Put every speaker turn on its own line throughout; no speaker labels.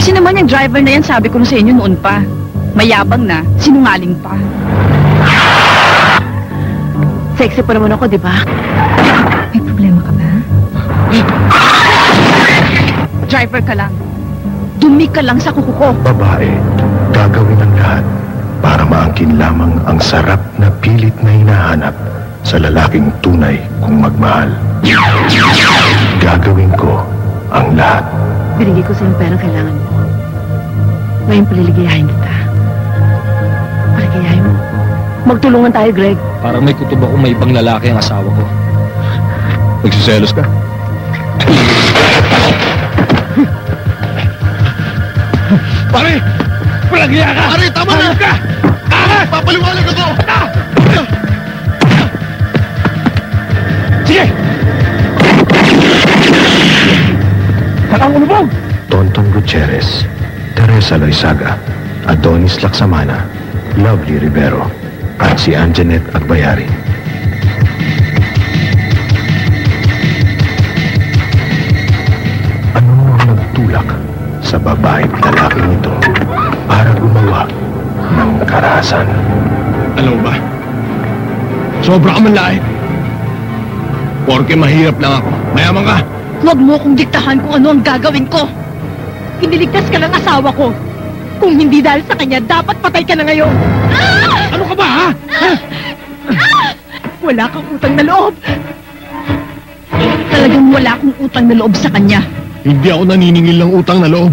Kasi naman yung driver na yan, sabi ko na sa inyo noon pa. Mayabang na, sinungaling pa.
Sexy pa naman ako, di ba?
May problema ka ba? Driver ka lang. Dumi ka lang sa kuko ko.
Babae, gagawin ang lahat para maangkin lamang ang sarap na pilit na hinahanap sa lalaking tunay kung magmahal. Gagawin ko ang lahat.
Binigay ko sa'yo ang perang kailangan mo. Ngayon paliligayahin kita. Paligayahin mo. Magtulungan tayo, Greg.
Parang may kutob ako may ibang lalaki ang asawa ko. Nagsiselos ka?
Pare! Palagya ka! Pare, tama na! Ka! Papaliwanag ako! Sige! Sakang ulubog! Tonton Gutierrez, Teresa Loizaga, Adonis Laksamana, Lovely Rivero, at si Anjanet Agbayari. Ano ang nagtulak sa babaeng lalaking ito para gumawa ng karahasan?
Alam mo ba? Sobra ka man lahat. Porke mahirap lang ako. Mayaman ka.
Huwag mo kong diktahan kung ano ang gagawin ko. Iniligtas ka ng asawa ko. Kung hindi dahil sa kanya, dapat patay ka na ngayon.
Ano ka ba, ha?
Wala kang utang na loob. Talagang wala akong utang na loob sa kanya.
Hindi ako naniningil ng utang na loob.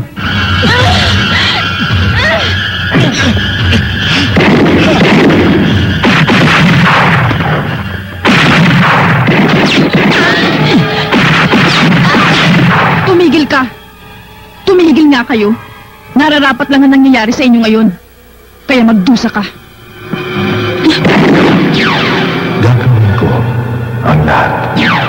Tumigil ka. Tumigil nga kayo. Nararapat lang ang nangyayari sa inyo ngayon. Kaya magdusa ka.
Gagawin ko ang lahat.